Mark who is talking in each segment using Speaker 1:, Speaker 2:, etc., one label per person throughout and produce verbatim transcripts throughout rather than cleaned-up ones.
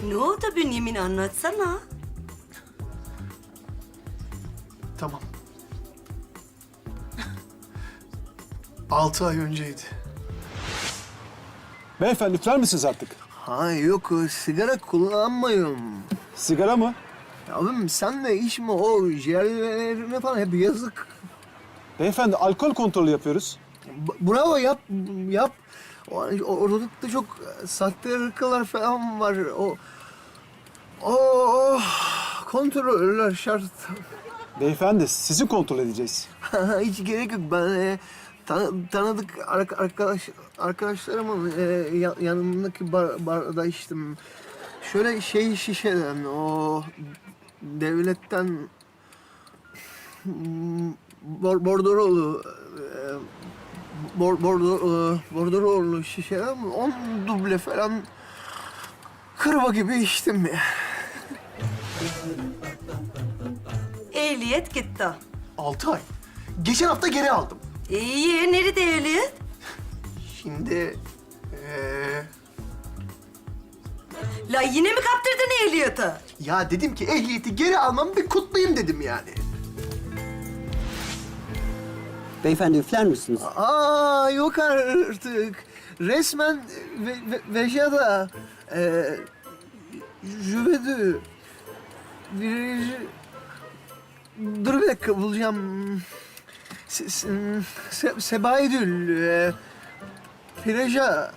Speaker 1: Ne oldu Bünyamin, anlatsana.
Speaker 2: Tamam. Altı ay önceydi.
Speaker 3: Beyefendi üfler misiniz artık?
Speaker 2: Ha yok, sigara kullanmıyorum.
Speaker 3: Sigara mı?
Speaker 2: Abim sen de içme, o ciğerlerine falan hep yazık.
Speaker 3: Beyefendi alkol kontrolü yapıyoruz.
Speaker 2: B- bravo, yap, yap. O, ortalıkta çok sahte ırkalar falan var. O, o, o kontroller şart.
Speaker 3: Beyefendi sizi kontrol edeceğiz.
Speaker 2: Hiç gerek yok. Ben e, tan- tanıdık ar- arkadaş arkadaşlarımın e, ya- yanındaki bar- barda içtim. Şöyle şey şişeden, o devletten hmm, bor bordrolu e, bor bordrolu bordrolu şişeden on duble falan kırba gibi içtim ya.
Speaker 1: Ehliyet gitti.
Speaker 2: Altı ay. Geçen hafta geri aldım.
Speaker 1: İyi, nerede ehliyet?
Speaker 2: Şimdi eee
Speaker 1: La yine mi kaptırdın ehliyeti?
Speaker 2: ya dedim ki ehliyeti geri almam, bir kutlayayım dedim yani.
Speaker 4: Beyefendi üfler misiniz?
Speaker 2: Aa yok artık. Resmen ve, ve, Vejada eee Jüvedü bir dur bir dakika bulacağım. Se, se, se, Sebaidül eee Plaja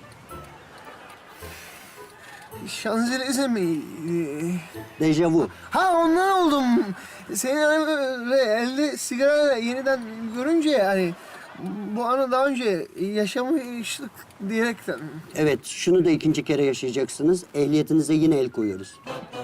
Speaker 2: Şanzelize mi? Eee,
Speaker 4: Dejavu.
Speaker 2: Ha ondan oldum. Seni hani ve elde sigara yeniden görünce yani bu anı daha önce yaşamıştık diyerekten.
Speaker 4: Evet, şunu da ikinci kere yaşayacaksınız. Ehliyetinize yine el koyuyoruz.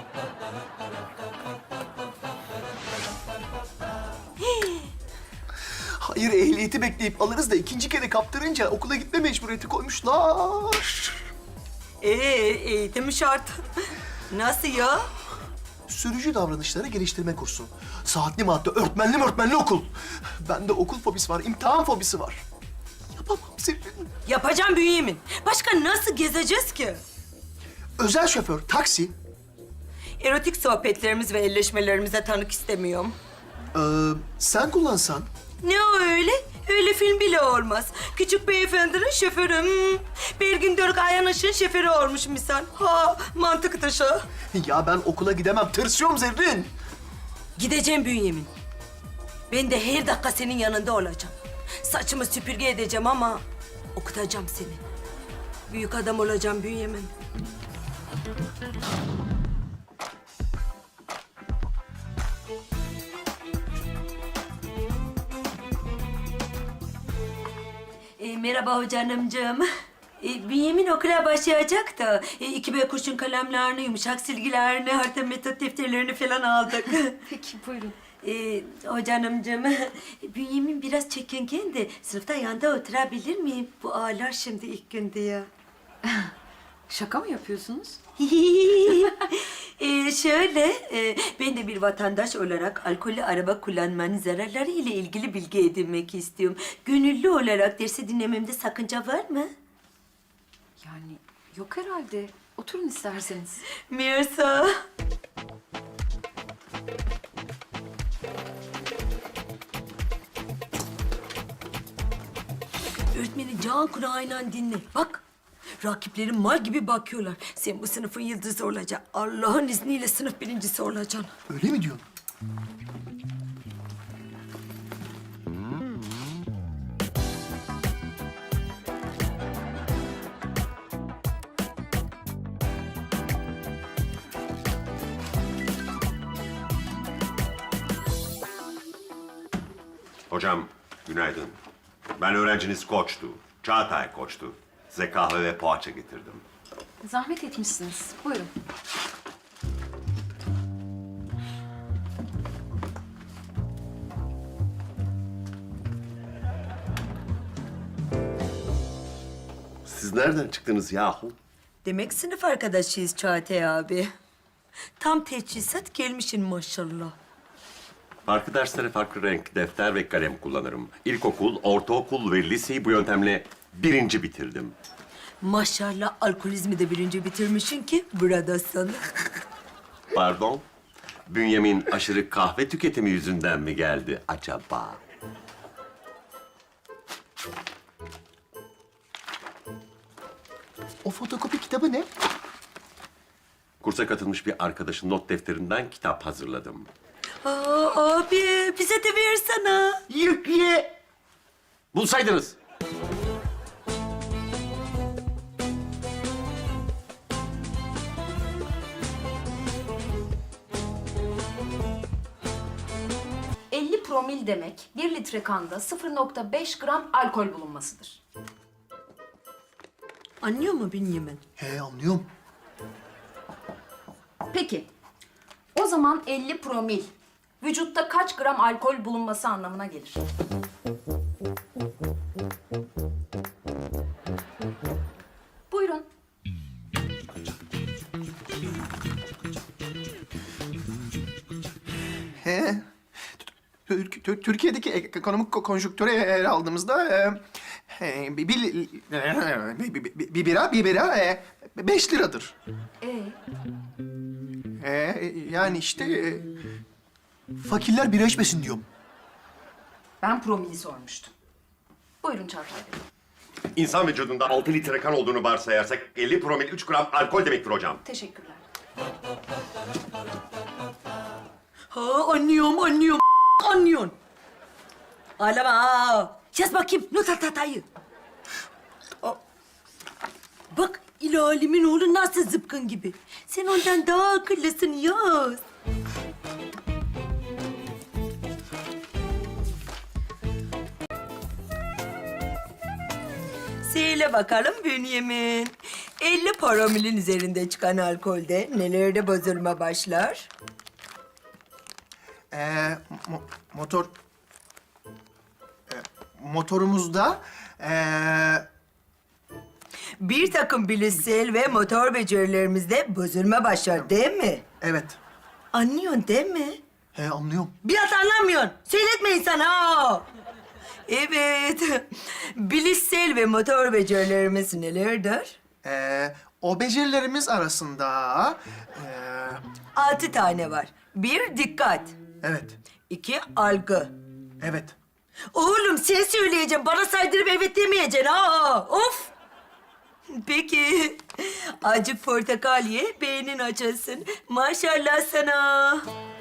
Speaker 2: Hayır, ehliyeti bekleyip alırız da ikinci kere kaptırınca okula gitme mecburiyeti koymuşlar.
Speaker 1: Ee, eğitim şart. Nasıl ya?
Speaker 2: Sürücü davranışları geliştirme kursu. Saatli madde, öğretmenli öğretmenli okul. Bende okul fobisi var, imtihan fobisi var. Yapamam Zerrin.
Speaker 1: Yapacağım Bünyamin. Başka nasıl gezeceğiz ki?
Speaker 2: Özel şoför, taksi.
Speaker 1: Erotik sohbetlerimiz ve elleşmelerimize tanık istemiyorum.
Speaker 2: Ee, sen kullansan.
Speaker 1: Ne o öyle? Öyle film bile olmaz. Küçük beyefendinin şoförü. Hmm. Belgin Dörk Ayanış'ın şoförü olmuş misal. Ha, mantık dışı.
Speaker 2: Ya ben okula gidemem, tırsıyorum Zerrin.
Speaker 1: Gideceğim Bünyamin. Ben de her dakika senin yanında olacağım. Saçımı süpürge edeceğim ama okutacağım seni. Büyük adam olacağım Bünyamin. E, merhaba hocanımcığım. E, Bünyamin okula başlayacak da e, iki B kurşun kalemlerini, yumuşak silgilerini, harita metot defterlerini falan aldık.
Speaker 5: Peki buyurun.
Speaker 1: E, hocanımcığım, Bünyamin biraz çekingen de sınıfta yanda oturabilir miyim? Bu ağlar şimdi ilk gün diye.
Speaker 5: Şaka mı yapıyorsunuz?
Speaker 1: e, şöyle, e, ben de bir vatandaş olarak alkollü araba kullanmanın zararları ile ilgili bilgi edinmek istiyorum. Gönüllü olarak dersi dinlememde sakınca var mı?
Speaker 5: Yani yok herhalde. Oturun isterseniz.
Speaker 1: Mirsa. Öğretmeni can kulağıyla dinle. Bak, rakiplerin mal gibi bakıyorlar. Sen bu sınıfın yıldızı olacaksın. Allah'ın izniyle sınıf birincisi olacaksın.
Speaker 2: Öyle mi diyorsun?
Speaker 6: Hocam, günaydın. Ben öğrenciniz Koç'tu. Çağatay Koç'tu. Size kahve ve poğaça getirdim.
Speaker 5: Zahmet etmişsiniz. Buyurun.
Speaker 6: Siz nereden çıktınız yahu?
Speaker 1: Demek sınıf arkadaşıyız Çağatay abi. Tam teçhizat gelmişsin maşallah.
Speaker 6: Farklı derslere farklı renk defter ve kalem kullanırım. İlkokul, ortaokul ve liseyi bu yöntemle birinci bitirdim.
Speaker 1: Maşallah alkolizmi de birinci bitirmişsin ki buradasın.
Speaker 6: Pardon? Bünyamin aşırı kahve tüketimi yüzünden mi geldi acaba?
Speaker 2: O fotokopi kitabı ne?
Speaker 6: Kursa katılmış bir arkadaşın not defterinden kitap hazırladım.
Speaker 1: Aa, abi bize de versene.
Speaker 6: Yükle! Bulsaydınız.
Speaker 5: elli promil demek bir litre kanda sıfır nokta beş gram alkol bulunmasıdır.
Speaker 1: Anlıyor mu Bünyamin?
Speaker 2: He anlıyorum.
Speaker 5: Peki, o zaman elli promil vücutta kaç gram alkol bulunması anlamına gelir? Buyurun.
Speaker 2: He. Tür- Tür- Türkiye'deki ekonomik ko- konjonktüre ele aldığımızda e, e, bir, bir, bir, bir- bir bira, bir bira e, beş liradır.
Speaker 5: Ee,
Speaker 2: E, yani işte e, fakirler bira içmesin diyorum.
Speaker 5: ben promili sormuştum. Buyurun Çağatay Bey.
Speaker 6: İnsan vücudunda altı litre kan olduğunu varsayarsak elli promil üç gram alkol demektir hocam.
Speaker 5: Teşekkürler.
Speaker 1: Ha anlıyorum, anlıyorum. Anlıyorsun. Ağlama ha. Yaz bakayım not at hatayı. Bak ilalimin oğlu nasıl zıpkın gibi. Sen ondan daha akıllısın yaz. Söyle bakalım Bünyamin. elli promilin üzerinde çıkan alkolde nelerde bozulma başlar?
Speaker 2: E, mo- motor e, motorumuzda e,
Speaker 1: Bir takım bilişsel ve motor becerilerimizde bozulma başlar değil mi?
Speaker 2: evet.
Speaker 1: Anlıyorsun değil mi?
Speaker 2: He anlıyorum.
Speaker 1: Biraz anlamıyorsun. Söyletme insan ha. Evet. Bilişsel ve motor becerilerimiz nelerdir?
Speaker 2: E, o becerilerimiz arasında e,
Speaker 1: Altı tane var. Bir, dikkat.
Speaker 2: evet.
Speaker 1: İki, algı.
Speaker 2: Evet.
Speaker 1: Oğlum sen söyleyeceksin. Bana saydırıp evet demeyeceksin ha. Of. Peki. Acık portakal ye, beynin açılsın. Maşallah sana.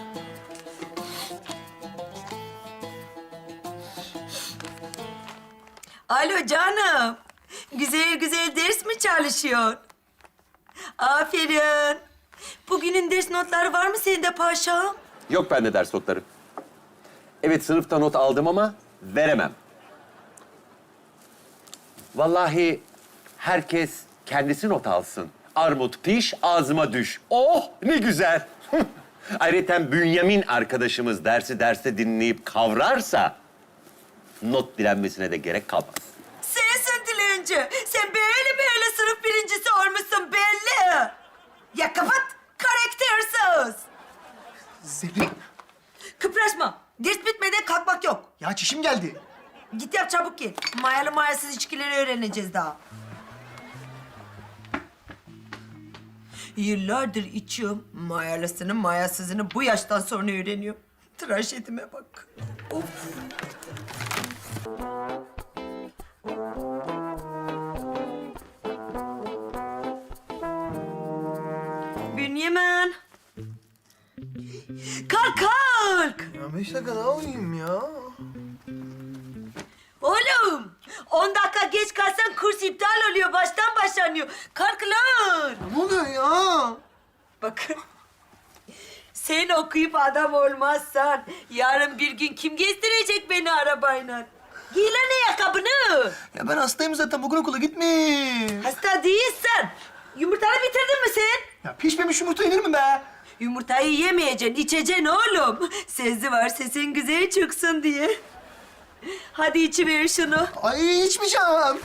Speaker 1: Alo canım. Güzel güzel ders mi çalışıyorsun? Aferin. Bugünün ders notları var mı sende paşam?
Speaker 6: Yok bende ders notları. Evet sınıfta not aldım ama veremem. Vallahi herkes kendisi not alsın. Armut piş, ağzıma düş. Oh ne güzel. Ayrıca Bünyamin arkadaşımız dersi derste dinleyip kavrarsa not dilenmesine de gerek kalmaz.
Speaker 1: Sensin dilenci. Sen böyle böyle sınıf birincisi olmuşsun belli. Ya kapat. Karaktersiz.
Speaker 2: Zerrin.
Speaker 1: Kıpraşma. Ders bitmeden kalkmak yok.
Speaker 2: Ya çişim geldi.
Speaker 1: Git yap çabuk gel. Mayalı mayasız içkileri öğreneceğiz daha. Yıllardır içiyorum. Mayalısını mayasızını bu yaştan sonra öğreniyorum. Trajedime bak. Of. Bünyamin. Kalk kalk.
Speaker 2: Ya beş dakika daha uyuyayım ya.
Speaker 1: Oğlum, on dakika geç kalsan kurs iptal oluyor, baştan başlanıyor. Kalk lan.
Speaker 2: Ne oluyor ya?
Speaker 1: Bakın, sen okuyup adam olmazsan yarın bir gün kim gezdirecek beni arabayla? Giy lan ayakkabını.
Speaker 2: Ya ben hastayım zaten. Bugün okula gitme.
Speaker 1: Hasta değilsen. Yumurtanı bitirdin mi sen?
Speaker 2: Ya pişmemiş yumurta yenir mi be?
Speaker 1: Yumurtayı yemeyeceksin, içeceksin oğlum. Sezi var sesin güzel çıksın diye. Hadi içiver şunu.
Speaker 2: Ay içmeyeceğim.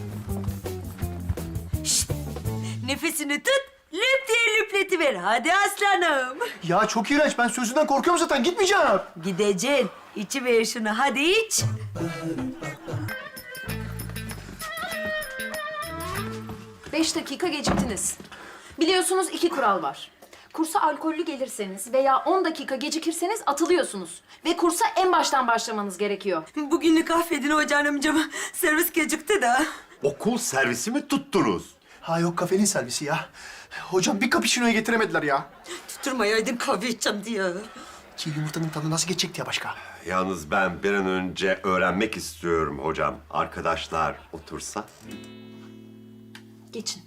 Speaker 1: Şşt! Nefesini tut, lüp diye lüpletiver. Hadi aslanım.
Speaker 2: Ya çok iğrenç. Ben sözünden korkuyorum zaten. Gitmeyeceğim.
Speaker 1: Gideceksin. İçiver şunu. Hadi iç.
Speaker 5: Beş dakika geciktiniz. Biliyorsunuz iki kural var. Kursa alkollü gelirseniz veya on dakika gecikirseniz atılıyorsunuz. Ve kursa en baştan başlamanız gerekiyor.
Speaker 1: Bugünlük affedin hocam amcama. Servis gecikti de.
Speaker 6: Okul servisi mi tuttunuz?
Speaker 2: Ha yok kafenin servisi ya. Hocam bir cappuccino'yu getiremediler ya.
Speaker 1: Tutturmayaydın kahve içeceğim diye.
Speaker 2: Çiğ yumurtanın tadı nasıl geçecekti ya başka?
Speaker 6: Yalnız ben bir an önce öğrenmek istiyorum hocam. Arkadaşlar otursa.
Speaker 5: Geçin.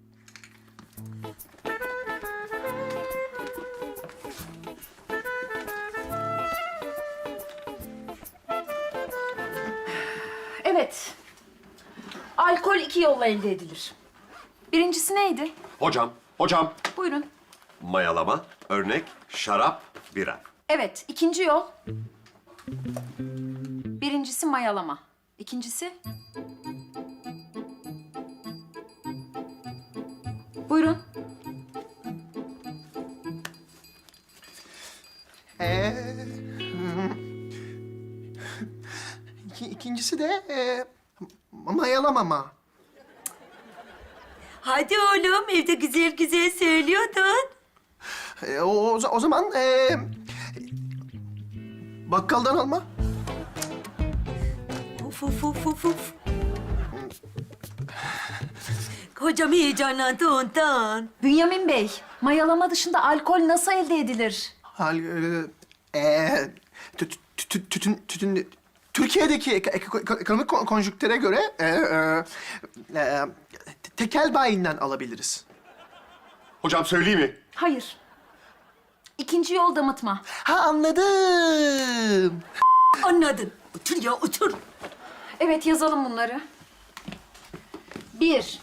Speaker 5: Evet. Alkol iki yolla elde edilir. Birincisi neydi?
Speaker 6: Hocam, hocam.
Speaker 5: Buyurun.
Speaker 6: Mayalama, örnek, şarap, bira.
Speaker 5: Evet, ikinci yol. Birincisi mayalama. İkincisi? Buyurun.
Speaker 2: Ee, hmm. İki, ikincisi de e, mayalamama.
Speaker 1: Hadi oğlum evde güzel güzel söylüyordun.
Speaker 2: E, o, o, o zaman e, bakkaldan alma.
Speaker 1: Uf uf uf uf uf. Hocam heyecanlandı ondan.
Speaker 5: Bünyamin Bey, mayalama dışında alkol nasıl elde edilir?
Speaker 2: Hal, e, e, tü- tü- tü- tütün, tütün, Türkiye'deki ek- ek- ekonomik kon- konjüktüre göre e, e, e, tekel bayinden alabiliriz.
Speaker 6: Hocam söyleyeyim mi?
Speaker 5: Hayır. İkinci yol damıtma.
Speaker 2: Ha anladım.
Speaker 1: Anladın. Otur ya otur.
Speaker 5: Evet, yazalım bunları. Bir,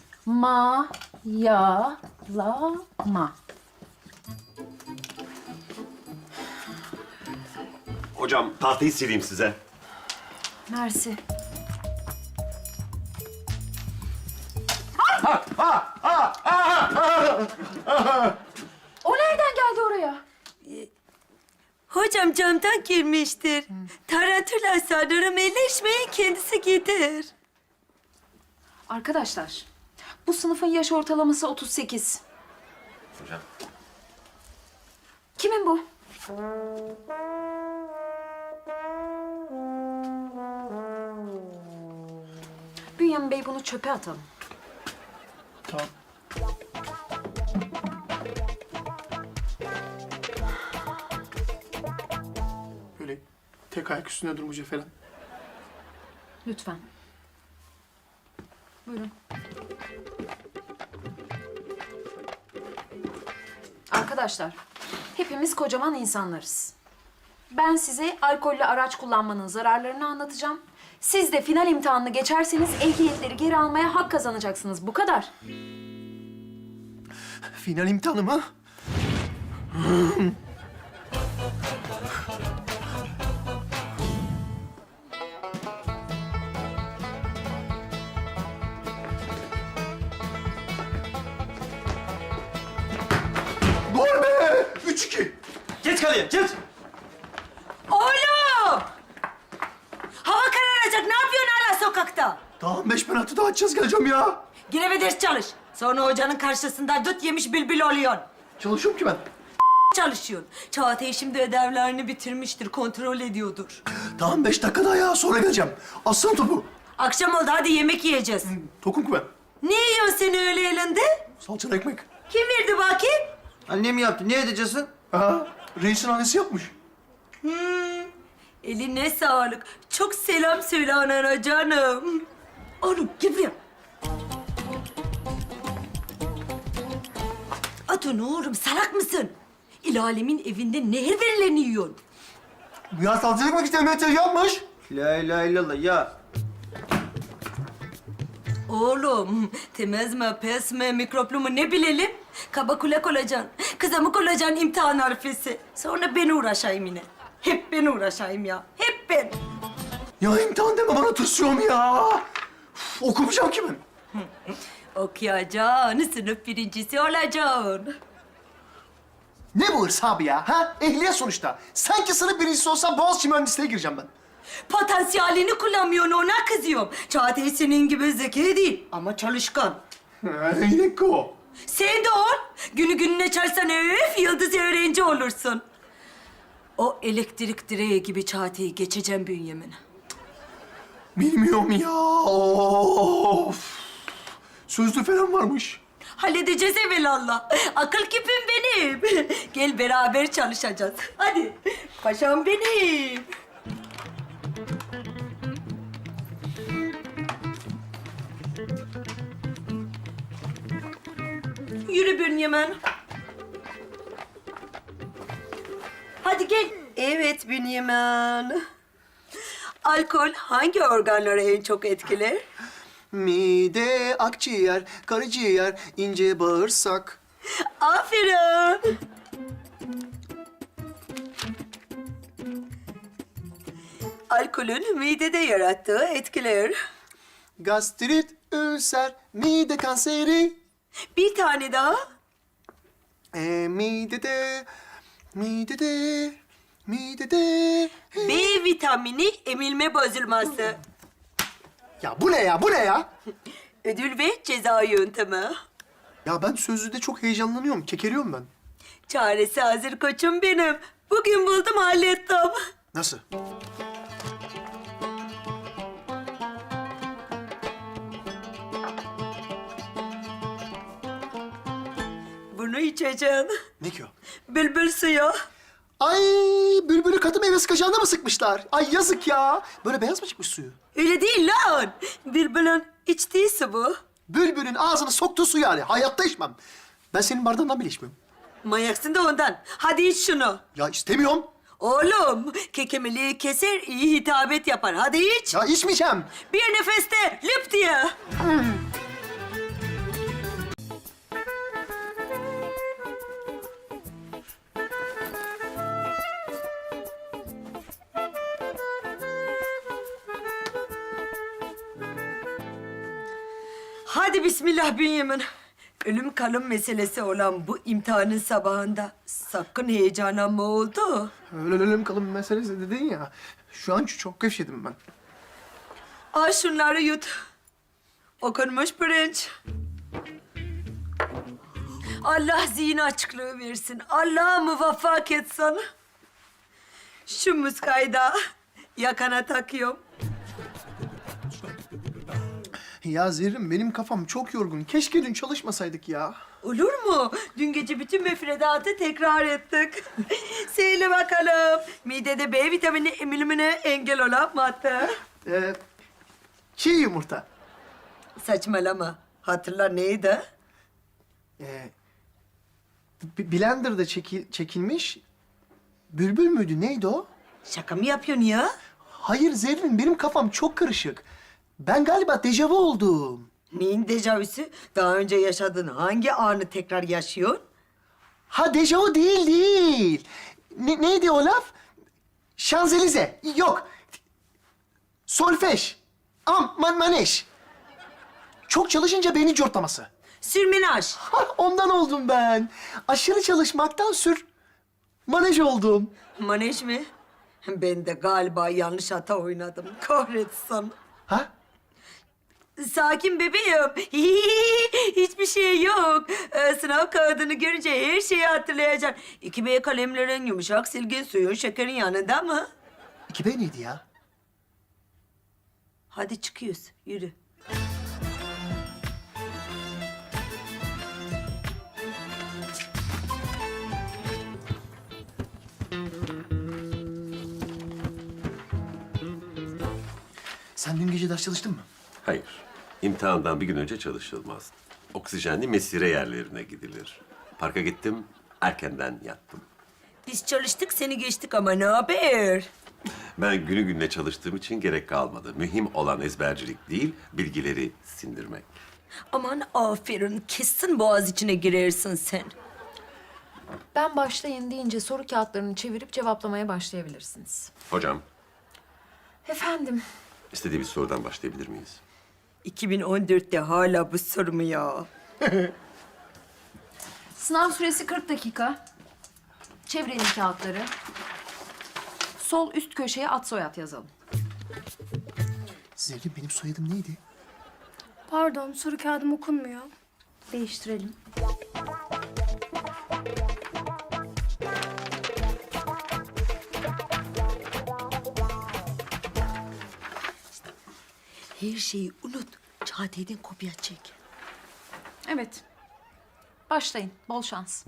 Speaker 5: ma-ya-la-ma.
Speaker 6: Hocam tahtayı sileyim size.
Speaker 5: Mersi. O nereden geldi oraya?
Speaker 1: Hocam camdan girmiştir. Tarantula sanırım elleşmeyin kendisi gider.
Speaker 5: Arkadaşlar, bu sınıfın yaş ortalaması otuz sekiz.
Speaker 6: Hocam.
Speaker 5: Kimin bu? Bünyamin Bey, bunu çöpe atalım.
Speaker 2: Tamam. Böyle tek ayak üstünde durmayacak falan.
Speaker 5: Lütfen. Buyurun. Arkadaşlar, hepimiz kocaman insanlarız. Ben size alkollü araç kullanmanın zararlarını anlatacağım. Siz de final imtihanını geçerseniz ehliyetleri geri almaya hak kazanacaksınız. Bu kadar.
Speaker 2: Final imtihanı mı? Gol be! Üç iki.
Speaker 7: Geç kaleye, geç.
Speaker 1: Oğlum! Hava kararacak. Ne yapıyorsun hala sokakta?
Speaker 2: Daha beş penaltı daha atacağız geleceğim ya.
Speaker 1: Yine bir ders çalış. Sonra hocanın karşısında dut yemiş bülbül oluyorsun.
Speaker 2: Çalışıyorum ki ben.
Speaker 1: Çalışıyorsun. Çağatay şimdi ödevlerini bitirmiştir. Kontrol ediyordur.
Speaker 2: Daha beş dakika daha ya sonra geleceğim. Aslan topu.
Speaker 1: Akşam oldu hadi yemek yiyeceğiz.
Speaker 2: Tokum ki ben.
Speaker 1: Ne yiyorsun sen öyle elinde?
Speaker 2: Salçalı ekmek.
Speaker 1: Kim verdi bakayım?
Speaker 7: Annem yaptı, ne edeceksin?
Speaker 2: Ha, reisin annesi yapmış.
Speaker 1: Eline sağlık. Çok selam söyle anana canım. Oğlum gel buraya. At onu oğlum salak mısın? İl alemin evinde nehir verilerini yiyorsun.
Speaker 2: Ya salçalı ekmek işte Mehmet yapmış.
Speaker 7: La ilahe illallah ya.
Speaker 1: Oğlum temiz mi pes mi mikroplu mu ne bilelim? Kaba kulak olacaksın. Kızamık olacaksın imtihan harfesi. Sonra ben uğraşayım yine. Hep ben uğraşayım ya. Hep ben.
Speaker 2: Ya imtihan deme bana tırsıyorum ya. Uf, okumayacağım ki ben.
Speaker 1: Okuyacaksın, sınıf birincisi olacaksın.
Speaker 2: Ne bu hırs abi ya? Ha? Ehliyet sonuçta. Sanki sınıf birincisi olsam Boğaziçi mühendisliğe gireceğim ben.
Speaker 1: Potansiyelini kullanmıyorsun ona kızıyorum. Çağatay senin gibi zeki değil ama çalışkan.
Speaker 2: Niko.
Speaker 1: Sen de ol. Günü gününe çalsan öf yıldız öğrenci olursun. O elektrik direği gibi çateyi geçeceğim Bünyamin.
Speaker 2: Bilmiyorum ya. Of. Sözlü falan varmış.
Speaker 1: Halledeceğiz evelallah. Akıl küpüm benim. Gel beraber çalışacağız. Hadi. Paşam benim. Yürü Bünyamin. Hadi gel. Evet Bünyamin. Alkol hangi organları en çok etkiler?
Speaker 2: Mide, akciğer, karaciğer, ince bağırsak.
Speaker 1: Aferin. Alkolün midede yarattığı etkiler.
Speaker 2: Gastrit, ülser, mide kanseri.
Speaker 1: Bir tane daha.
Speaker 2: E, midede, midede, midede.
Speaker 1: B vitamini emilme bozulması.
Speaker 2: Ya bu ne ya, bu ne ya?
Speaker 1: Ödül ve ceza yöntemi.
Speaker 2: Ya ben sözlüde çok heyecanlanıyorum, kekeliyorum ben.
Speaker 1: Çaresi hazır koçum benim. Bugün buldum hallettim.
Speaker 2: Nasıl?
Speaker 1: Bunu içeceğim.
Speaker 2: Ne ki o?
Speaker 1: Bülbül suyu.
Speaker 2: Ay, bülbülü katı meyve sıkacağına mı sıkmışlar? Ay yazık ya. Böyle beyaz mı çıkmış suyu?
Speaker 1: Öyle değil lan. Bülbülün içtiği su bu.
Speaker 2: Bülbülün ağzını soktuğu su yani. Hayatta içmem. Ben senin bardağından bile içmiyorum.
Speaker 1: Manyaksın da ondan. Hadi iç şunu.
Speaker 2: Ya istemiyorum.
Speaker 1: Oğlum, kekemeliği keser, iyi hitabet yapar. Hadi iç.
Speaker 2: Ya içmeyeceğim.
Speaker 1: Bir nefeste lüp diye. Hadi bismillah Bünyamin. Ölüm kalım meselesi olan bu imtihanın sabahında sakın heyecanlanma oldu.
Speaker 2: Öyle ölüm kalım meselesi dedin ya. Şu an çok gevşedim ben.
Speaker 1: Al şunları yut. Okunmuş pirinç. Allah zihin açıklığı versin. Allah muvaffak etsin. Şu muskayı da yakana takıyorum.
Speaker 2: Ya Zerrin benim kafam çok yorgun. Keşke dün çalışmasaydık ya.
Speaker 1: Olur mu? Dün gece bütün müfredatı tekrar ettik. Söyle bakalım. Midede B vitamini emilimine engel olan madde.
Speaker 2: Ee, çiğ yumurta.
Speaker 1: Saçmalama. Hatırla neydi?
Speaker 2: Ee, B- Blender'da çeki- çekilmiş. Bülbül müydü? Neydi o?
Speaker 1: Şaka mı yapıyorsun ya?
Speaker 2: Hayır Zerrin, benim kafam çok karışık. Ben galiba dejavu oldum.
Speaker 1: Neyin tecavüzü? Daha önce yaşadığın hangi anı tekrar yaşıyorsun?
Speaker 2: Ha dejavu değil, değil. Ne, neydi o laf? Şanzelize. Yok. Solfej. Am, man, maneş. Çok çalışınca beynin cortlaması.
Speaker 1: Sürmenaj.
Speaker 2: Ha, ondan oldum ben. Aşırı çalışmaktan sür... manej oldum.
Speaker 1: Manej mi? Ben de galiba yanlış hata oynadım. Kahretsin.
Speaker 2: Ha?
Speaker 1: Sakin bebeğim. Hiçbir şey yok. Ee, sınav kağıdını görünce her şeyi hatırlayacaksın. İki B kalemlerin, yumuşak silgin, suyun, şekerin yanında mı?
Speaker 2: İki B neydi ya?
Speaker 1: Hadi çıkıyoruz. Yürü.
Speaker 2: Sen dün gece ders çalıştın mı?
Speaker 6: Hayır. İmtihandan bir gün önce çalışılmaz. Oksijenli mesire yerlerine gidilir. Parka gittim, erkenden yattım.
Speaker 1: Biz çalıştık, seni geçtik ama ne haber?
Speaker 6: Ben günü gününe çalıştığım için gerek kalmadı. Mühim olan ezbercilik değil, bilgileri sindirmek.
Speaker 1: Aman aferin, kesin boğaz içine girersin sen.
Speaker 5: Ben başlayın deyince soru kağıtlarını çevirip cevaplamaya başlayabilirsiniz.
Speaker 6: Hocam,
Speaker 5: Efendim,
Speaker 6: istediğimiz sorudan başlayabilir miyiz?
Speaker 1: iki bin on dörtte hala bu soru mu ya?
Speaker 5: sınav süresi kırk dakika. Çevirelim kağıtları. Sol üst köşeye ad soyad yazalım.
Speaker 2: Zerrin benim soyadım neydi?
Speaker 8: Pardon, soru kağıdım okunmuyor.
Speaker 5: Değiştirelim.
Speaker 1: Her şeyi unut. Çağatay'dan kopya çek.
Speaker 5: Evet. Başlayın. Bol şans.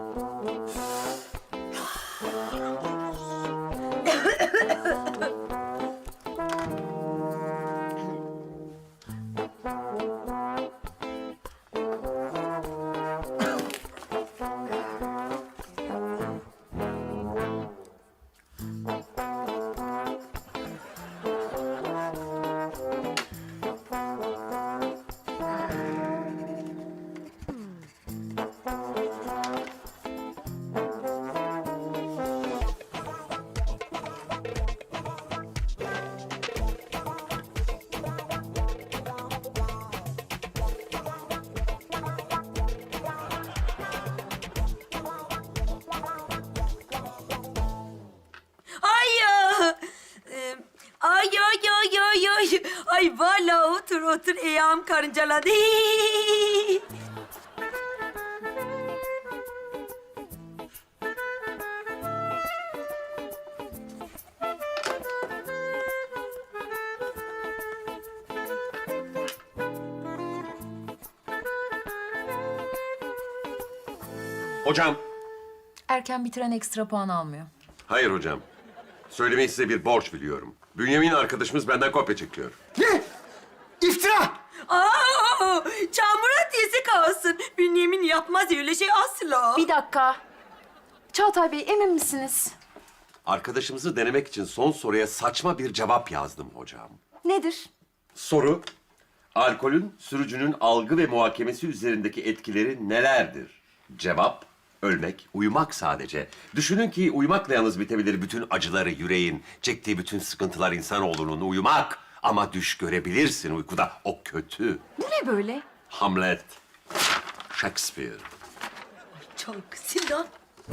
Speaker 1: Ay ya! Ee, Ay ay ay ay ay! Ay vallahi otur otur ayağım karıncaladı.
Speaker 6: Hocam.
Speaker 5: Erken bitiren ekstra puan almıyor.
Speaker 6: Hayır hocam. Söylemeyi size bir borç biliyorum. Bünyamin arkadaşımız benden kopya çekiyor.
Speaker 2: Ne? İftira!
Speaker 1: Aa! Çamura dizi kalsın. Bünyamin yapmaz öyle şey asla.
Speaker 5: Bir dakika. Çağatay Bey, emin misiniz?
Speaker 6: Arkadaşımızı denemek için son soruya saçma bir cevap yazdım hocam.
Speaker 5: Nedir?
Speaker 6: Soru, alkolün sürücünün algı ve muhakemesi üzerindeki etkileri nelerdir? Cevap, ölmek, uyumak sadece. Düşünün ki uyumakla yalnız bitebilir bütün acıları yüreğin, çektiği bütün sıkıntılar insanoğlunun uyumak. Ama düş görebilirsin uykuda, o kötü.
Speaker 5: Bu ne böyle?
Speaker 6: Hamlet, Shakespeare.
Speaker 1: Çok Sinan.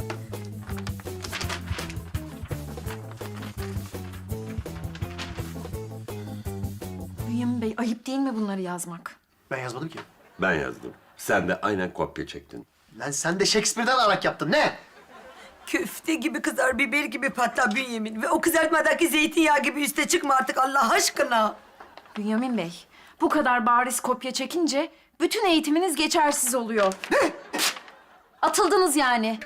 Speaker 5: Bünyamin Bey, ayıp değil mi bunları yazmak?
Speaker 2: Ben yazmadım ki.
Speaker 6: Ben yazdım. Sen de aynen kopya çektin.
Speaker 2: Lan sen de Shakespeare'den arak yaptın. Ne?
Speaker 1: Köfte gibi kızar, biber gibi patlar Bünyamin. Ve o kızartmadaki zeytinyağı gibi üste çıkma artık Allah aşkına.
Speaker 5: Bünyamin Bey, bu kadar bariz kopya çekince bütün eğitiminiz geçersiz oluyor.
Speaker 2: Ne?
Speaker 5: Atıldınız yani.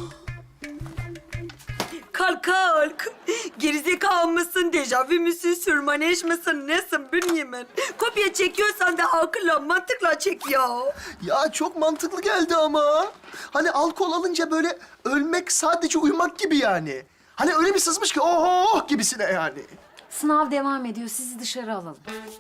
Speaker 1: Kalk kalk. Gerizekalı mısın, dejavu müsün, sürmaneş misin, nesin Bünyamin? Kopya çekiyorsan da akılla, mantıkla çek ya.
Speaker 2: Ya çok mantıklı geldi ama. Hani alkol alınca böyle ölmek sadece uyumak gibi yani. Hani öyle bir sızmış ki oh gibisine yani.
Speaker 5: Sınav devam ediyor. Sizi dışarı alalım.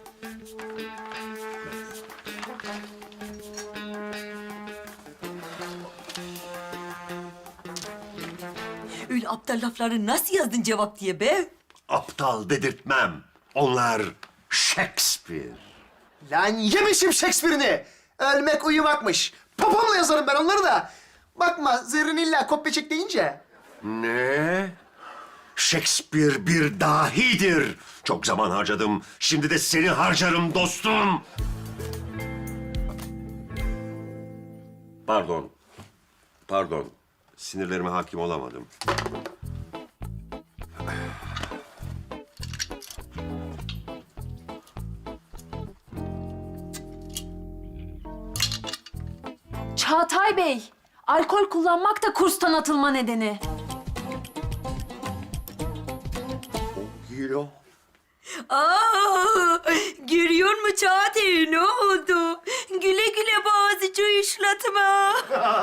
Speaker 1: Öyle aptal lafları nasıl yazdın cevap diye be?
Speaker 6: Aptal dedirtmem. Onlar Shakespeare.
Speaker 2: Lan yemişim Shakespeare'ini. Ölmek uyumakmış. Papamla yazarım ben onları da. Bakma Zerrin illa kopya çek deyince.
Speaker 6: Ne? Shakespeare bir dahidir. Çok zaman harcadım. Şimdi de seni harcarım dostum. Pardon. Pardon. Sinirlerime hakim olamadım.
Speaker 5: Çağatay Bey, alkol kullanmak da kurstan atılma nedeni.
Speaker 6: Gilo.
Speaker 1: Aa, görüyor musun Çağatay, ne oldu? Güle güle boğazıcı işletme.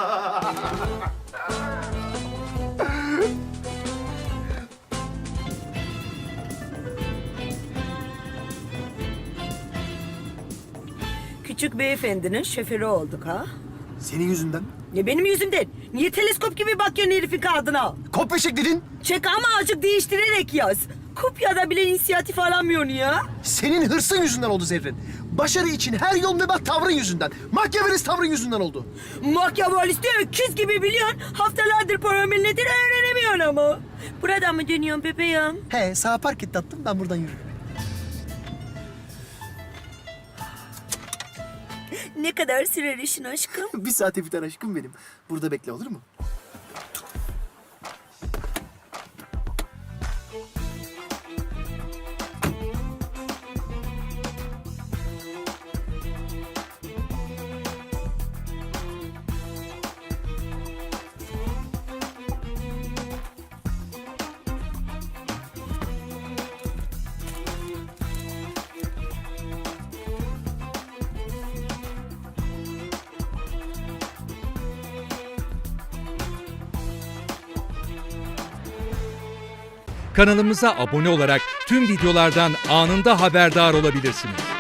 Speaker 1: Küçük beyefendinin şoförü olduk ha.
Speaker 2: Senin yüzünden.
Speaker 1: Ne benim yüzümden? Niye teleskop gibi bakıyorsun herifin kağıdına?
Speaker 2: Kopya çek dedin.
Speaker 1: Çek ama azıcık değiştirerek yaz. Kopyada bile inisiyatif alamıyorsun ya.
Speaker 2: Senin hırsın yüzünden oldu Zerrin. Başarı için her yol mübah tavrın yüzünden. Machiavellist tavrın yüzünden oldu.
Speaker 1: Machiavellisti öküz gibi biliyorsun. Haftalardır paramil nedir öğrenemiyorsun ama. Buradan mı dönüyorsun bebeğim?
Speaker 2: He sağa park et tatlım ben buradan yürürüm.
Speaker 1: Ne kadar sürer işin aşkım?
Speaker 2: Bir saate biter aşkım benim. Burada bekle olur mu?
Speaker 8: Kanalımıza abone olarak tüm videolardan anında haberdar olabilirsiniz.